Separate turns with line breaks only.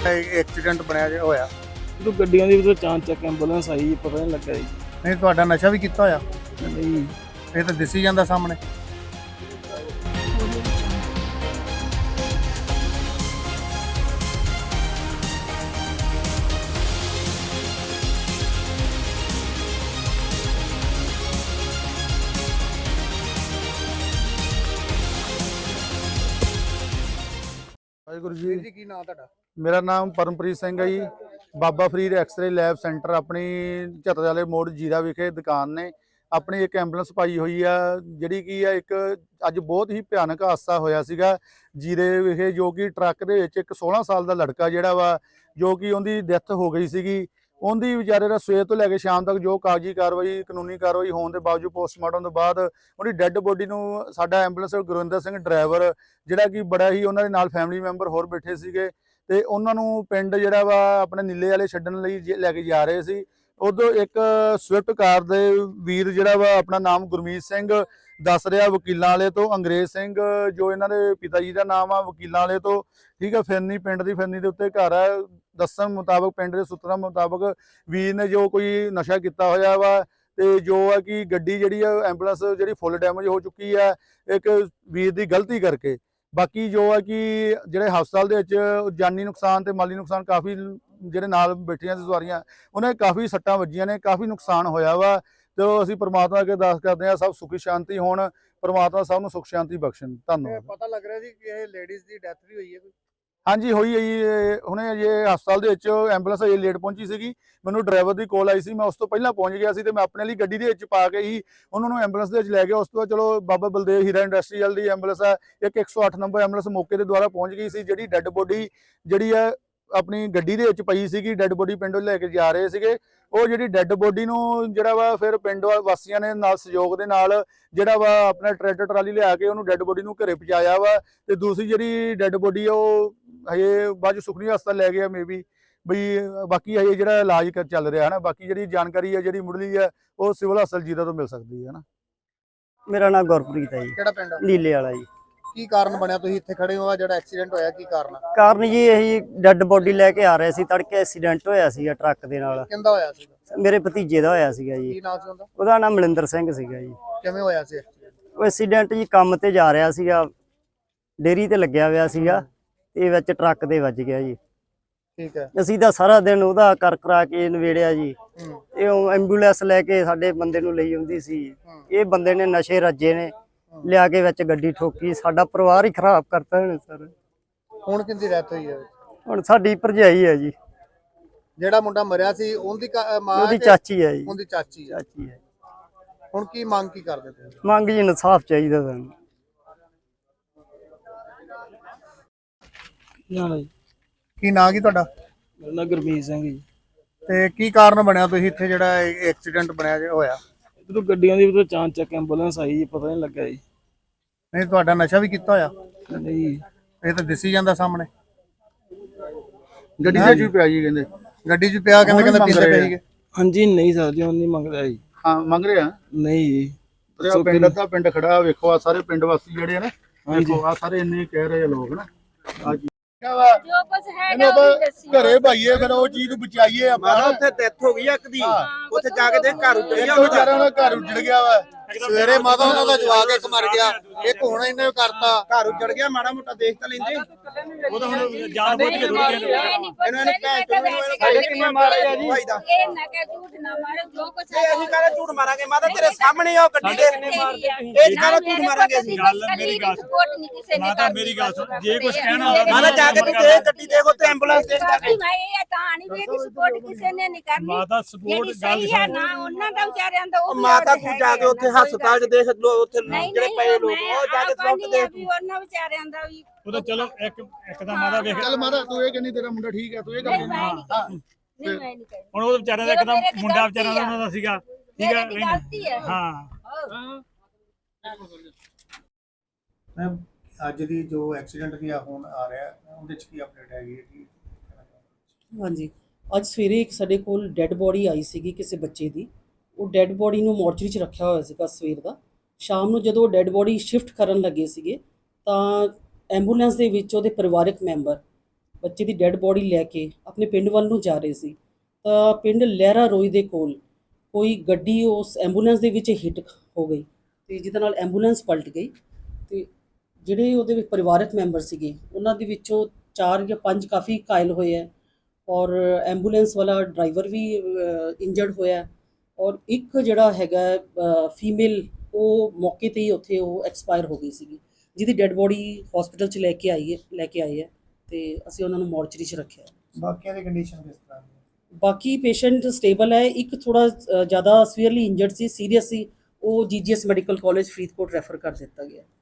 Accident बनया जो होया
ਜਦੋਂ ਗੱਡੀਆਂ ਦੀ ਵੀ ਚਾਂਚ ਚੱਕ ਐਂਬੂਲੈਂਸ ਆਈ ਜੀ, ਪਤਾ ਨਹੀਂ ਲੱਗਾ ਜੀ।
नहीं तुहाडा नशा भी कीता होया
ਨਹੀਂ
ये तो दिसी जांदा सामने।
ਵਾਹਿਗੁਰੂ
ਵੀਰ
ਜੀ।
ਜੀ ਕੀ ਨਾਮ ਤੁਹਾਡਾ?
ਮੇਰਾ ਨਾਮ ਪਰਮਪ੍ਰੀਤ ਸਿੰਘ ਹੈ ਜੀ। Baba Farid x ray lab centre ਆਪਣੀ ਝੱਤਰ ਵਾਲੇ ਮੋੜ ਜੀਰਾ ਵਿਖੇ ਦੁਕਾਨ ਨੇ। ਆਪਣੀ ਇੱਕ ਐਂਬੂਲੈਂਸ ਪਾਈ ਹੋਈ ਆ, ਜਿਹੜੀ ਕੀ ਆ ਇੱਕ ਅੱਜ ਬਹੁਤ ਹੀ ਭਿਆਨਕ ਹਾਦਸਾ ਹੋਇਆ ਸੀਗਾ ਜੀਰੇ ਵਿਖੇ, ਜੋ ਕਿ ਟਰੱਕ ਦੇ ਵਿੱਚ ਇੱਕ 16 ਸਾਲ ਦਾ ਲੜਕਾ ਜਿਹੜਾ ਵਾ, ਜੋ ਕਿ ਉਹਦੀ ਡੈਥ ਹੋ ਗਈ ਸੀਗੀ। ਉਹਦੀ ਵਿਚਾਰੇ ਦਾ ਸਵੇਰ ਤੋਂ ਲੈ ਕੇ ਸ਼ਾਮ ਤੱਕ ਜੋ ਕਾਗਜ਼ੀ ਕਾਰਵਾਈ ਕਾਨੂੰਨੀ ਕਾਰਵਾਈ ਹੋਣ ਦੇ ਬਾਵਜੂਦ ਪੋਸਟਮਾਰਟਮ ਤੋਂ ਬਾਅਦ ਉਹਦੀ ਡੈੱਡ ਬੋਡੀ ਨੂੰ ਸਾਡਾ ਐਂਬੂਲੈਂਸ ਗੁਰਵਿੰਦਰ ਸਿੰਘ ਡਰਾਈਵਰ, ਜਿਹੜਾ ਕਿ ਬੜਾ ਹੀ ਉਹਨਾਂ ਦੇ ਨਾਲ ਫੈਮਿਲੀ ਮੈਂਬਰ ਹੋਰ ਬੈਠੇ ਸੀਗੇ, ਤੇ ਉਹਨਾਂ ਨੂੰ ਪਿੰਡ ਜਿਹੜਾ ਵਾ ਆਪਣੇ ਨੀਲੇ ਵਾਲੇ ਛੱਡਣ ਲਈ ਲੈ ਕੇ ਜਾ ਰਹੇ ਸੀ। ਉਦੋਂ ਇੱਕ ਸਵਿਫਟ ਕਾਰ ਦੇ ਵੀਰ ਜਿਹੜਾ ਵਾ, ਆਪਣਾ ਨਾਮ ਗੁਰਮੀਤ ਸਿੰਘ ਦੱਸ ਰਿਹਾ ਵਕੀਲਾਂ ਵਾਲੇ ਤੋਂ, ਅੰਗਰੇਜ਼ ਸਿੰਘ ਜੋ ਇਹਨਾਂ ਦੇ ਪਿਤਾ ਜੀ ਦਾ ਨਾਮ ਆ, ਵਕੀਲਾਂ ਵਾਲੇ ਤੋਂ, ਠੀਕ ਆ। ਫਿਰਨੀ ਪਿੰਡ ਦੀ ਫਿਰਨੀ ਦੇ ਉੱਤੇ ਘਰ ਆ। ਦੱਸਣ ਮੁਤਾਬਕ ਪਿੰਡ ਦੇ ਸੂਤਰਾਂ ਮੁਤਾਬਕ ਵੀਰ ਨੇ ਜੋ ਕੋਈ ਨਸ਼ਾ ਕੀਤਾ ਹੋਇਆ ਵਾ, ਤੇ ਜੋ ਆ ਕਿ ਗੱਡੀ ਜਿਹੜੀ ਆ ਐਂਬੂਲੈਂਸ ਜਿਹੜੀ ਫੁੱਲ ਡੈਮੇਜ ਹੋ ਚੁੱਕੀ ਆ ਇੱਕ ਵੀਰ ਦੀ ਗਲਤੀ ਕਰਕੇ। ਬਾਕੀ ਜੋ ਆ ਕਿ ਜਿਹੜੇ ਹਸਪਤਾਲ ਦੇ ਵਿੱਚ ਜਾਨੀ ਨੁਕਸਾਨ ਤੇ ਮਾਲੀ ਨੁਕਸਾਨ ਕਾਫੀ, ਜਿਹੜੇ ਨਾਲ ਬੈਠੀਆਂ ਸੀ ਸਵਾਰੀਆਂ ਉਹਨਾਂ ਕਾਫੀ ਸੱਟਾਂ ਵੱਜੀਆਂ ਨੇ, ਕਾਫੀ ਨੁਕਸਾਨ ਹੋਇਆ ਵਾ। ਤੇ ਅਸੀਂ ਪ੍ਰਮਾਤਮਾ ਅੱਗੇ ਅਰਦਾਸ ਕਰਦੇ ਹਾਂ ਸਭ ਸੁਖੀ ਸ਼ਾਂਤੀ ਹੋਣ, ਪ੍ਰਮਾਤਮਾ ਸਭ ਨੂੰ ਸੁਖ ਸ਼ਾਂਤੀ ਬਖਸ਼ਣ। ਧੰਨਵਾਦ।
ਪਤਾ ਲੱਗ ਰਿਹਾ ਸੀ ਕਿ ਇਹ ਲੇਡੀਜ਼ ਦੀ ਡੈਥ ਵੀ ਹੋਈ ਹੈ ਕੋਈ?
ਹਾਂਜੀ ਹੋਈ ਹੈ ਜੀ। ਹੁਣੇ ਇਹ ਹਸਪਤਾਲ ਦੇ ਵਿੱਚ ਐਂਬੂਲੈਂਸ ਅਜੇ ਲੇਟ ਪਹੁੰਚੀ ਸੀਗੀ। ਮੈਨੂੰ ਡਰਾਈਵਰ ਦੀ ਕਾਲ ਆਈ ਸੀ, ਮੈਂ ਉਸ ਤੋਂ ਪਹਿਲਾਂ ਪਹੁੰਚ ਗਿਆ ਸੀ, ਤੇ ਮੈਂ ਆਪਣੇ ਲਈ ਗੱਡੀ ਦੇ ਵਿੱਚ ਪਾ ਕੇ ਹੀ ਉਹਨਾਂ ਨੂੰ ਐਂਬੂਲੈਂਸ ਦੇ ਵਿੱਚ ਲੈ ਗਿਆ। ਉਸ ਤੋਂ ਬਾਅਦ ਚਲੋ ਬਾਬਾ ਬਲਦੇਵ ਹੀਰਾ ਇੰਡਸਟਰੀਅਲ ਦੀ ਐਂਬੂਲੈਂਸ ਹੈ, ਇੱਕ 108 ਨੰਬਰ ਐਂਬੂਲੈਂਸ ਮੌਕੇ ਦੇ ਦੁਆਰਾ ਪਹੁੰਚ ਗਈ ਸੀ। ਜਿਹੜੀ ਡੈੱਡ ਬੋਡੀ ਜਿਹੜੀ ਹੈ ਆਪਣੀ ਗੱਡੀ ਦੇ ਵਿੱਚ ਪਈ ਸੀਗੀ, ਡੈੱਡ ਬੋਡੀ ਪਿੰਡੋਂ ਲੈ ਕੇ ਜਾ ਰਹੇ ਸੀਗੇ। ਉਹ ਜਿਹੜੀ ਡੈੱਡ ਬੋਡੀ ਨੂੰ ਜਿਹੜਾ ਵਾ ਫਿਰ ਪਿੰਡ ਵਾਸੀਆਂ ਨੇ ਨਾਲ ਸਹਿਯੋਗ ਦੇ ਨਾਲ ਜਿਹੜਾ ਵਾ ਆਪਣਾ ਟਰੈਕਟਰ ਟਰਾਲੀ ਲਿਆ ਕੇ ਉਹਨੂੰ ਡੈੱਡ ਬੋਡੀ ਨੂੰ ਘਰੇ ਪਹੁੰਚਾਇਆ ਵਾ। ਤੇ ਦੂਸਰੀ ਜਿਹੜੀ ਡੈੱਡ ਬੋਡੀ ਆ ਉਹ ਹਜੇ ਬਾਅਦ ਸੁਖਨੀ ਹਸਪਤਾਲ ਲੈ ਗਏ ਮੇਬੀ ਬਈ, ਬਾਕੀ ਹਜੇ ਜਿਹੜਾ ਇਲਾਜ ਚੱਲ ਰਿਹਾ ਹੈ ਨਾ। ਬਾਕੀ ਜਿਹੜੀ ਜਾਣਕਾਰੀ ਹੈ ਜਿਹੜੀ ਮੁੱਢਲੀ ਹੈ ਉਹ ਸਿਵਲ ਹਸਪਤਾਲ ਜੀਰਾ ਤੋਂ ਮਿਲ ਸਕਦੀ ਹੈ ਨਾ।
ਮੇਰਾ ਨਾਮ ਗੁਰਪ੍ਰੀਤ ਹੈ ਜੀ,
ਕਿਹੜਾ ਪਿੰਡ?
ਨੀਲੇ ਵਾਲਾ ਜੀ।
ਕੀ ਕਾਰਨ ਬਣਿਆ ਤੁਸੀਂ ਇੱਥੇ ਖੜੇ ਹੋ? ਜਿਹੜਾ ਐਕਸੀਡੈਂਟ ਹੋਇਆ ਕੀ ਕਾਰਨ ਆ?
ਕਾਰਨ ਜੀ ਇਹੀ ਡੈੱਡ ਬੋਡੀ ਲੈ ਕੇ ਆ ਰਹੇ ਸੀ, ਤੜਕੇ ਐਕਸੀਡੈਂਟ ਹੋਇਆ ਸੀਗਾ ਟਰੱਕ ਦੇ ਨਾਲ।
ਕਿੰਦਾ ਹੋਇਆ ਸੀ?
ਮੇਰੇ ਭਤੀਜੇ ਦਾ ਹੋਇਆ ਸੀਗਾ ਜੀ।
ਕੀ ਨਾਮ ਸੀ ਉਹਦਾ?
ਉਹਦਾ ਨਾਮ ਮਲਿੰਦਰ ਸਿੰਘ ਸੀਗਾ ਜੀ।
ਕਿਵੇਂ ਹੋਇਆ ਸੀ accident?
ਉਹ ਐਕਸੀਡੈਂਟ ਜੀ ਕੰਮ ਤੇ ਜਾ ਰਿਹਾ ਸੀਗਾ, ਡੇਅਰੀ ਤੇ ਲੱਗਿਆ ਹੋਇਆ ਸੀਗਾ, ਤੇ ਵਿੱਚ ਟਰੱਕ ਦੇ ਵੱਜ ਗਿਆ ਜੀ।
ਠੀਕ ਹੈ।
ਅਸੀਂ ਤਾਂ ਸਾਰਾ ਦਿਨ ਉਹਦਾ ਕਰ ਕਰਾ ਕੇ ਨਵੇੜਿਆ ਜੀ। ਤੇ ਉਹ ਐਂਬੂਲੈਂਸ ਲੈ ਕੇ ਸਾਡੇ ਬੰਦੇ ਨੂੰ ਲਈ ਆਉਂਦੀ ਸੀ। ਇਹ ਬੰਦੇ ਨੇ ਨਸ਼ੇ ਰੱਜੇ ਨੇ, ਲਿਆ ਕੇ ਵਿੱਚ ਗੱਡੀ ਠੋਕੀ, ਸਾਡਾ ਪਰਿਵਾਰ ਹੀ ਖਰਾਬ ਕਰਤਾ ਇਹਨੇ ਸਰ।
ਹੁਣ ਕਿੰਦੀ ਡੈਥ ਹੋਈ ਹੈ?
ਹੁਣ ਸਾਡੀ ਭਰਜਾਈ ਹੈ ਜੀ।
ਜਿਹੜਾ ਮੁੰਡਾ ਮਰਿਆ ਸੀ ਉਹਦੀ ਮਾਂ?
ਉਹਦੀ ਚਾਚੀ ਹੈ ਜੀ।
ਉਹਦੀ ਚਾਚੀ ਹੈ।
ਚਾਚੀ ਹੈ।
ਹੁਣ ਕੀ ਮੰਗ ਕੀ ਕਰਦੇ ਤੁਸੀਂ?
ਮੰਗ ਜੀ ਇਨਸਾਫ ਚਾਹੀਦਾ ਸਾਨੂੰ।
ਕੀ ਨਾਂ ਕੀ ਤੁਹਾਡਾ?
ਮੇਰਾ ਨਾਮ ਗੁਰਮੀਤ ਸਿੰਘ ਜੀ।
ਤੇ ਕੀ ਕਾਰਨ ਬਣਿਆ ਤੁਸੀਂ ਇੱਥੇ ਜਿਹੜਾ ਐਕਸੀਡੈਂਟ ਬਣਿਆ ਜੋ ਹੋਇਆ?
ਜਦੋਂ ਗੱਡੀਆਂ ਦੀ ਵੀ ਚਾਂਚ ਚੱਕ ਐਂਬੂਲੈਂਸ ਆਈ ਜੀ, ਪਤਾ ਨਹੀਂ ਲੱਗਾ ਜੀ।
ਨਹੀਂ ਤੁਹਾਡਾ ਨਸ਼ਾ ਵੀ ਕੀਤਾ ਹੋਇਆ?
ਨਹੀਂ
ਇਹ ਤਾਂ ਦਿਸੀ ਜਾਂਦਾ ਸਾਹਮਣੇ।
ਗੱਡੀ ਦੇ ਵਿੱਚ ਪਿਆ ਜੀ ਕਹਿੰਦੇ।
ਗੱਡੀ 'ਚ ਪਿਆ ਕਹਿੰਦੇ ਪੀਂਦੇ ਪਏ ਸੀਗੇ।
ਹਾਂਜੀ ਨਹੀਂ ਸਰ ਜੀ, ਉਹ ਨਹੀਂ ਮੰਗਦਾ ਜੀ।
ਹਾਂ ਮੰਗ ਰਹੇ ਆ?
ਨਹੀਂ ਜੀ। ਪਿੰਡ ਦਾ ਪਿੰਡ ਖੜਾ ਵੇਖੋ, ਆ ਸਾਰੇ ਪਿੰਡ ਵਾਸੀ ਜਿਹੜੇ ਆ ਨਾ, ਵੇਖੋ ਆ ਸਾਰੇ ਇੰਨੇ ਕਹਿ ਰਹੇ ਆ ਲੋਕ ਨਾ।
ਜੋ ਕੁਝ ਹੈਗਾ ਉਹ ਦੱਸੀ
ਘਰੇ ਭਾਈਏ ਫਿਰ ਉਹ ਚੀਜ਼ ਨੂੰ ਬਚਾਈਏ ਆਪਾਂ।
ਉੱਥੇ ਡੈਥ ਹੋ ਗਈ ਇੱਕ ਦੀ, ਉੱਥੇ ਜਾ ਕੇ ਦੇ ਘਰ ਉੱਜੜ ਗਿਆ।
ਵਿਚਾਰਾ ਉਹਨਾਂ ਘਰ ਉੱਜੜ ਗਿਆ ਵਾ। ਸਵੇਰੇ ਮਾਤਾ ਉਹਨਾਂ ਦਾ ਜਵਾਕ ਇੱਕ ਮਰ ਗਿਆ, ਇੱਕ ਹੁਣ ਇਹਨੇ ਕਰਤਾ।
ਘਰ ਉੱਜੜ ਗਿਆ, ਮਾੜਾ ਮੋਟਾ ਦੇਖ ਤਾਂ ਲੈਂਦੇ।
ਉਹ ਤਾਂ ਹੁਣ ਜਾਣ ਬੁੱਝ ਕੇ ਰੁੜ ਗਏ ਇਹਨਾਂ ਨੇ
ਸਾਡੇ ਕਿੰਨੇ ਮਾਰਿਆ ਜੀ?
ਇਹ ਨਾ ਕਹਿ ਝੂਠ ਨਾ ਮਾਰੋ, ਜੋ ਕੁਝ
ਇਹ ਅਸੀਂ ਕਹਿੰਦੇ ਝੂਠ ਮਾਰਾਂਗੇ, ਮਾਤਾ ਤੇਰੇ ਸਾਹਮਣੇ ਆ ਉਹ ਗੱਡੀ ਦੇ। ਇਹ ਕਹਿੰਦਾ ਝੂਠ ਮਾਰਾਂਗੇ ਅਸੀਂ।
ਮੇਰੀ ਗੱਲ ਸਪੋਰਟ ਨਹੀਂ ਕਿਸੇ ਨੇ
ਮਾਤਾ ਮੇਰੀ ਗੱਲ ਸੁਣ, ਜੇ ਕੁਝ ਕਹਿਣਾ
ਮਾਤਾ ਜਾ ਕੇ ਤੂੰ ਦੇ ਗੱਡੀ ਦੇਖ, ਉੱਥੇ ਐਂਬੂਲੈਂਸ ਦੇਖ ਜਾ ਕੇ।
ਮੈਂ ਇਹ ਕਹਾਣੀ ਵੀ ਇਹਦੀ ਸਪੋਰਟ ਕਿਸੇ ਨੇ ਨਹੀਂ ਕਰਨੀ।
ਮਾਤਾ ਸਪੋਰਟ
ਜਿਹੜੀ ਸਹੀ ਹੈ ਨਾ ਉਹਨਾਂ ਦਾ ਵਿਚਾਰਿਆਂ ਦਾ ਉਹ
ਮਾਤਾ ਤੂੰ ਜਾ ਕੇ ਉੱਥੇ ਹਸਪਤਾਲ 'ਚ ਦੇਖ ਲੋ, ਉੱਥੇ ਜਿਹੜੇ ਪਏ ਲੋਕ ਉਹ ਜਾ ਕੇ ਸਪੋਰਟ ਦੇਖ।
ਵੀ ਉਹਨਾਂ ਵਿਚਾਰਿਆਂ ਦਾ ਵੀ
ਉਹ ਤਾਂ ਚਲੋ ਇੱਕ ਦਾ ਮਾਤਾ ਵੇਖ।
ਚੱਲ ਮਾਤਾ ਤੂੰ ਇਹ ਕਹਿੰਦੀ ਤੇਰਾ ਮੁੰਡਾ ਠੀਕ ਹੈ, ਤੂੰ ਇਹ ਗੱਲ
ਨਹੀਂ ਮੈਂ ਨਹੀਂ ਕਹਿੰਦੀ।
ਹੁਣ ਉਹ ਵਿਚਾਰਿਆਂ ਦਾ ਇੱਕਦਮ ਮੁੰਡਾ ਵਿਚਾਰਿਆਂ ਦਾ ਉਹਨਾਂ ਦਾ ਸੀਗਾ, ਠੀਕ ਹੈ।
ਗਲਤੀ ਹੈ।
ਹਾਂ
ਅੱਜ ਦੀ ਜੋ ਐਕਸੀਡੈਂਟ ਦੀ ਹੁਣ ਆ ਰਿਹਾ ਉਹਦੇ ਚ ਕੀ ਅਪਡੇਟ ਹੈਗੀ ਹੈ ਕੀ?
ਹਾਂਜੀ, ਅੱਜ ਸਵੇਰੇ ਇੱਕ ਸਾਡੇ ਕੋਲ ਡੈੱਡ ਬੋਡੀ ਆਈ ਸੀਗੀ ਕਿਸੇ ਬੱਚੇ ਦੀ। ਉਹ ਡੈੱਡ ਬੋਡੀ ਨੂੰ ਮੋਰਚਰੀ 'ਚ ਰੱਖਿਆ ਹੋਇਆ ਸੀਗਾ ਸਵੇਰ ਦਾ। ਸ਼ਾਮ ਨੂੰ ਜਦੋਂ ਡੈੱਡ ਬੋਡੀ ਸ਼ਿਫਟ ਕਰਨ ਲੱਗੇ ਸੀਗੇ ਤਾਂ ਐਂਬੂਲੈਂਸ ਦੇ ਵਿੱਚ ਉਹਦੇ ਪਰਿਵਾਰਕ ਮੈਂਬਰ ਬੱਚੇ ਦੀ ਡੈੱਡ ਬੋਡੀ ਲੈ ਕੇ ਆਪਣੇ ਪਿੰਡ ਵੱਲ ਨੂੰ ਜਾ ਰਹੇ ਸੀ ਤਾਂ ਪਿੰਡ ਲਹਿਰਾ ਰੋਈ ਦੇ ਕੋਲ ਕੋਈ ਗੱਡੀ ਉਸ ਐਂਬੂਲੈਂਸ ਦੇ ਵਿੱਚ ਹਿੱਟ ਹੋ ਗਈ ਤੇ ਜਿਹਦੇ ਨਾਲ ਐਂਬੂਲੈਂਸ ਪਲਟ ਗਈ ਤੇ ਜਿਹੜੇ ਉਹਦੇ ਵਿੱਚ ਪਰਿਵਾਰਕ ਮੈਂਬਰ ਸੀਗੇ ਉਹਨਾਂ ਦੇ ਵਿੱਚੋਂ 4 ਜਾਂ 5 ਕਾਫੀ ਘਾਇਲ ਹੋਏ ਹੈ ਔਰ ਐਂਬੂਲੈਂਸ ਵਾਲਾ ਡਰਾਈਵਰ ਵੀ ਇੰਜਰਡ ਹੋਇਆ ਔਰ ਇੱਕ ਜਿਹੜਾ ਹੈਗਾ ਫੀਮੇਲ ਉਹ ਮੌਕੇ ਤੇ ਹੀ ਉੱਥੇ ਉਹ ਐਕਸਪਾਇਰ ਹੋ ਗਈ ਸੀਗੀ ਜਿਹਦੀ ਡੈੱਡ ਬੋਡੀ ਹਸਪੀਟਲ 'ਚ ਲੈ ਕੇ ਆਏ ਹੈ ਤੇ ਅਸੀਂ ਉਹਨਾਂ ਨੂੰ ਮੋਰਚਰੀ 'ਚ ਰੱਖਿਆ।
ਬਾਕੀਆਂ ਦੀ ਕੰਡੀਸ਼ਨ ਕਿਸ ਤਰ੍ਹਾਂ ਦੀ?
ਬਾਕੀ ਪੇਸ਼ੈਂਟ ਸਟੇਬਲ ਹੈ, ਇੱਕ ਥੋੜਾ ਜ਼ਿਆਦਾ ਸੀਵੀਅਰਲੀ ਇੰਜਰਡ ਸੀ, ਸੀਰੀਅਸ ਸੀ, ਉਹ GGS medical college Faridkot refer ਕਰ ਦਿੱਤਾ ਗਿਆ।